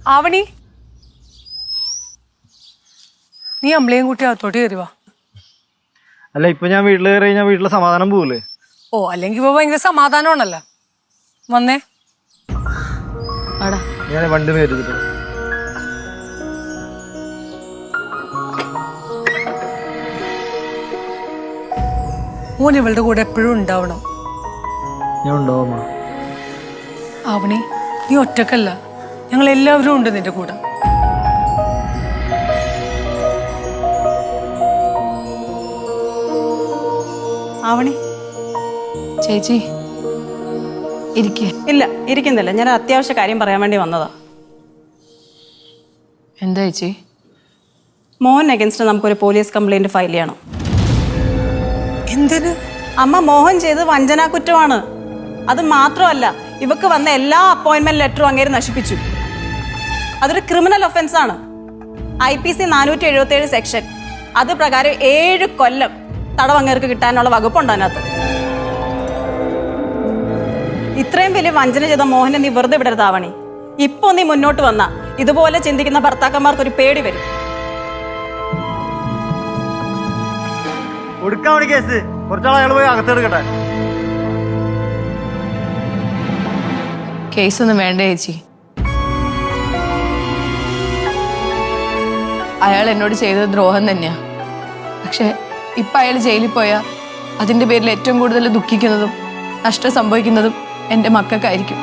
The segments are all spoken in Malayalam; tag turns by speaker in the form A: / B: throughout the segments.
A: ആവണി, നീ അമ്മളെയും കൂട്ടി അകത്തോട്ട് കയറി വാ.
B: അല്ല, ഇപ്പൊ ഞാൻ വീട്ടിൽ കയറി കഴിഞ്ഞാൽ വീട്ടിലെ സമാധാനം പോവില്ലേ?
A: ഓ, അല്ലെങ്കിൽ ഇപ്പൊ ഭയങ്കര സമാധാനമാണല്ലോ. വന്നേ.
B: ഞാൻ വണ്ടി നേരിട്ട്
A: ഓൻ ഇവളുടെ കൂടെ എപ്പോഴും ഉണ്ടാവണം.
B: ഞാൻ ഉണ്ടാവും.
A: ആവണി, നീ ഒറ്റക്കല്ല, ഞങ്ങൾ എല്ലാവരും ഉണ്ട് നിന്റെ കൂടെ.
C: ആവണി
D: ചേച്ചി ഇരിക്കേ.
C: ഇല്ല, ഇരിക്കുന്നില്ല. ഞാൻ അത്യാവശ്യ കാര്യം പറയാൻ വേണ്ടി വന്നതാ.
D: എന്താ ചേച്ചി?
C: മോഹൻ അഗൻസ്റ്റ് നമുക്കൊരു പോലീസ് കംപ്ലൈന്റ് ഫയൽ ചെയ്യണം.
A: എന്തിന്?
C: അമ്മ, മോഹൻ ചെയ്ത് വഞ്ചനാ കുറ്റമാണ്. അത് മാത്രമല്ല, ഇവക്ക് വന്ന എല്ലാ അപ്പോയിന്റ്മെന്റ് ലെറ്ററും അങ്ങേര് നശിപ്പിച്ചു. അതൊരു ക്രിമിനൽ ഒഫൻസ് ആണ്. IPC 477 section. അത് പ്രകാരം 7 കൊല്ലം തടവ് അങ്ങേർക്ക് കിട്ടാനുള്ള വകുപ്പുണ്ട് അതിനകത്ത്. ഇത്രയും വലിയ വഞ്ചന ചെയ്ത മോഹനെ നീ വെറുതെ വിടരുതാവണി. ഇപ്പൊ നീ മുന്നോട്ട് വന്ന ഇതുപോലെ ചിന്തിക്കുന്ന ഭർത്താക്കന്മാർക്ക് ഒരു പേടി വരും.
B: കൊടുക്കാൻ കേസ് കുറച്ചാൾ അയാൾ പോയി അകത്തെടുക്കട്ടെ.
D: കേസൊന്നും വേണ്ട ചേച്ചി. അയാൾ എന്നോട് ചെയ്തത് ദ്രോഹം തന്നെയാ. പക്ഷെ ഇപ്പൊ അയാൾ ജയിലിൽ പോയാൽ അതിന്റെ പേരിൽ ഏറ്റവും കൂടുതൽ ദുഃഖിക്കുന്നതും നഷ്ടം സംഭവിക്കുന്നതും എന്റെ മക്കൾക്കായിരിക്കും.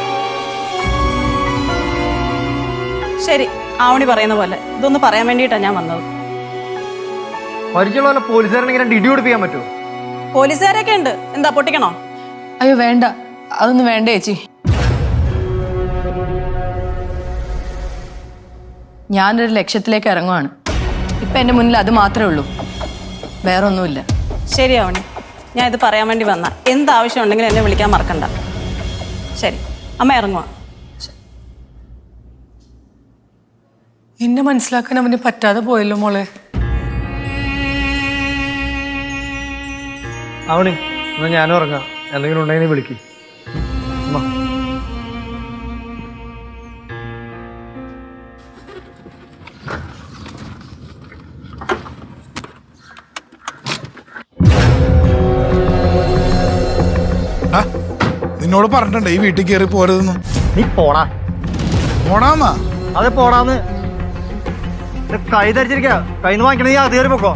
C: ശരി, ആവണി പറയുന്ന പോലെ ഇതൊന്ന് പറയാൻ വേണ്ടിയിട്ടാണ് ഞാൻ വന്നത്.
B: പരിചയമുള്ള പോലീസുകാരനെ ഇടി കൊടുപ്പിക്കാൻ പറ്റുമോ?
C: പോലീസുകാരൊക്കെ ഉണ്ട്. എന്താ, പൊട്ടിക്കണോ?
D: അയ്യോ വേണ്ട, അതൊന്നും വേണ്ട ചേച്ചി. ഞാനൊരു ലക്ഷ്യത്തിലേക്ക് ഇറങ്ങുവാണ്. ഇപ്പൊ എന്റെ മുന്നിൽ അത് മാത്രമേ ഉള്ളൂ, വേറൊന്നുമില്ല.
C: ശരിയാവണി, ഞാൻ ഇത് പറയാൻ വേണ്ടി വന്ന. എന്താവശ്യം ഉണ്ടെങ്കിലും എന്നെ വിളിക്കാൻ മറക്കണ്ട. ശരി, അമ്മ ഇറങ്ങുവാ.
A: എന്നെ മനസ്സിലാക്കാൻ അവന് പറ്റാതെ പോയല്ലോ മോളെ.
B: ആവണി, എന്നാ ഞാനും ഇറങ്ങാം. എന്തെങ്കിലും ഉണ്ടെങ്കിൽ വിളിക്ക്.
E: നിന്നോട് പറഞ്ഞിട്ടുണ്ട് ഈ വീട്ടിൽ കയറി പോരുതെന്ന്.
B: നീ പോടാ.
E: പോടാന്നാ?
B: അതെ, പോടാന്ന്. കൈ ധരിച്ചിരിക്ക. കൈന്ന് വാങ്ങിക്കണേ, നീ അത് കയറി പൊക്കോ.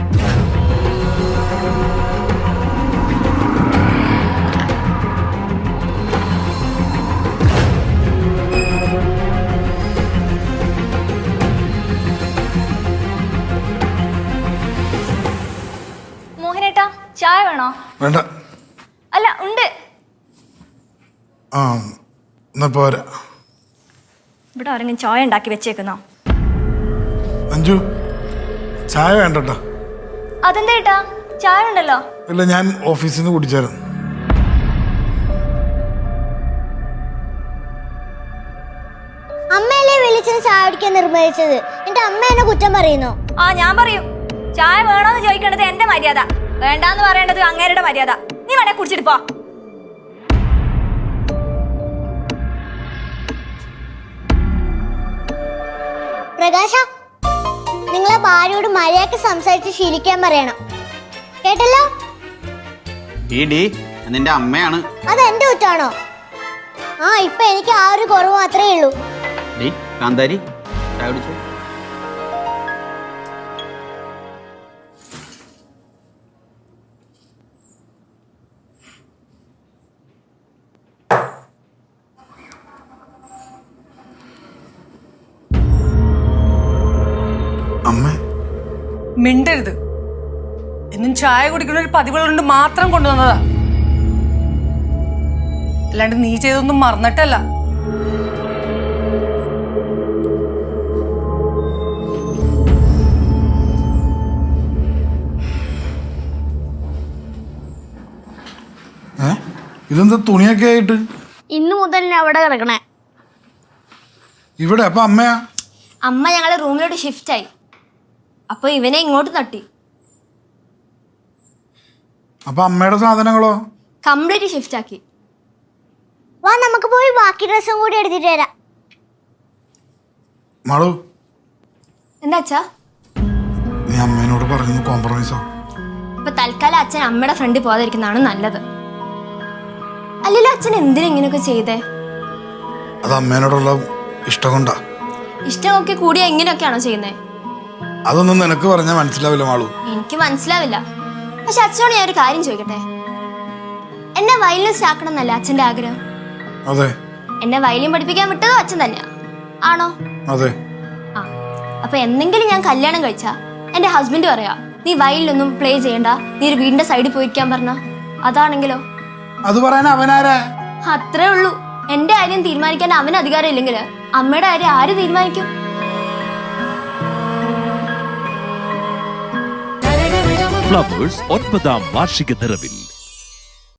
F: മോഹനേട്ടാ, ചായ വേണോ?
E: വേണ്ട.
F: അല്ല, ഉണ്ട്.
E: ആ, എന്നാ പോരാ.
F: ഇവിടെ ആരെങ്കിലും ചായ ഉണ്ടാക്കി വെച്ചേക്കുന്നോ?
E: അഞ്ജു, ചായ വേണ്ടട്ടോ.
F: അതെന്താ ഏട്ടാ, ചായ ഉണ്ടല്ലോ.
E: ഇല്ല, ഞാൻ ഓഫീസിൽ നിന്ന് കുടിച്ചായിരുന്നു.
G: അമ്മയല്ലേ വിളിച്ചത് ചായ കുടിക്കാൻ നിർബന്ധിച്ചത്? എന്റെ അമ്മ എന്നെ കുറ്റം പറയുന്നു.
F: ആ, ഞാൻ പറയും. ചായ വേണോന്ന് ചോദിക്കേണ്ടത് എന്റെ മര്യാദ, വേണ്ടാന്ന് പറയേണ്ടത് അങ്ങേരുടെ മര്യാദ. നീ വേണേ കുടിച്ചിട്ട് പോ.
G: പ്രകാശ, നിങ്ങളെ ഭാര്യയോട് മര്യാദക്ക് സംസാരിച്ച് ശീലിക്കാൻ പറയണം, കേട്ടല്ലോ?
H: നിന്റെ അമ്മയാണ്.
G: അത് എന്റെ കുറ്റാണോ? ആ, ഇപ്പൊ എനിക്ക് ആ ഒരു കുറവ് മാത്രമേ ഉള്ളൂ.
H: കാന്താരി, ചായ കുടിച്ചോ.
A: മിണ്ടരുത്. എന്നും ചായ കുടിക്കുന്ന ഒരു പതിവുകളുണ്ട് മാത്രം കൊണ്ടുവന്നതാ, അല്ലാണ്ട് നീ ചെയ്തൊന്നും മറന്നിട്ടല്ല.
E: ഇതെന്താ തുണിയൊക്കെ ആയിട്ട്?
G: ഇന്നു മുതൽ അവിടെ കിടക്കണേ.
E: ഇവിടെ? അപ്പൊ അമ്മയാ?
F: അമ്മ ഞങ്ങളെ റൂമിലോട്ട് ഷിഫ്റ്റ് ആയി. അപ്പൊ ഇവനെ ഇങ്ങോട്ട് തട്ടി.
E: അപ്പൊ അമ്മയുടെ സാധനങ്ങളോ?
F: കംപ്ലീറ്റ് ഷിഫ്റ്റ് ആക്കി.
G: വാ, നമുക്ക് പോയി ബാക്കി ഡ്രസ്സും കൂടി എടുത്തിട്ട് വരാം.
E: മാളു
F: എന്താ അച്ഛാ?
E: നീ അമ്മേനോട് പറയുന്നു കോംപ്രമൈസാ.
F: ഇപ്പൊ തൽക്കാലം അച്ഛൻ അമ്മയുടെ ഫ്രണ്ടിൽ പോകാതിരിക്കുന്നതാണ് നല്ലത്. അല്ലല്ലോ അച്ഛൻ എന്തിനാ ഇങ്ങനെയൊക്കെ ചെയ്തേ?
E: അത് അമ്മേനോടുള്ള ഇഷ്ടം കൊണ്ടാ.
F: ഇഷ്ടമൊക്കെ കൂടിയാ ഇങ്ങനെയൊക്കെയാണോ ചെയ്യുന്നേ?
E: അതൊന്നും നിനക്ക് പറഞ്ഞാൽ മനസ്സിലാവില്ല മാളു.
F: എനിക്ക് മനസ്സിലാവില്ല. പക്ഷെ അച്ഛനോട് ഞാൻ ഒരു കാര്യം ചോദിക്കട്ടെ? എന്നെ വയലിനിസ്റ്റ് ആക്കണം എന്നല്ല അച്ഛന്റെ ആഗ്രഹം.
E: അതെ.
F: എന്നെ വയലിൻ പഠിപ്പിക്കാൻ വിട്ടതും അച്ഛൻ തന്നെയാ, ആണോ?
E: അതെ.
F: ആ, അപ്പൊ എന്തെങ്കിലും ഞാൻ കല്യാണം കഴിച്ചാ എന്റെ ഹസ്ബൻഡ് പറയാ നീ വയലിലൊന്നും പ്ലേ ചെയ്യണ്ട, നീ ഒരു വീടിന്റെ സൈഡിൽ പോയിരിക്കാൻ പറഞ്ഞ അതാണെങ്കിലോ?
E: അത് പറയാൻ അവനാരാ?
F: അത്രേ ഉള്ളൂ. എന്റെ കാര്യം തീരുമാനിക്കാൻ അവന് അധികാരം ഇല്ലെങ്കിൽ അമ്മയുടെ കാര്യം ആര് തീരുമാനിക്കും?
I: ഫ്ലവേഴ്സ് 9ാം വാർഷിക നിറവിൽ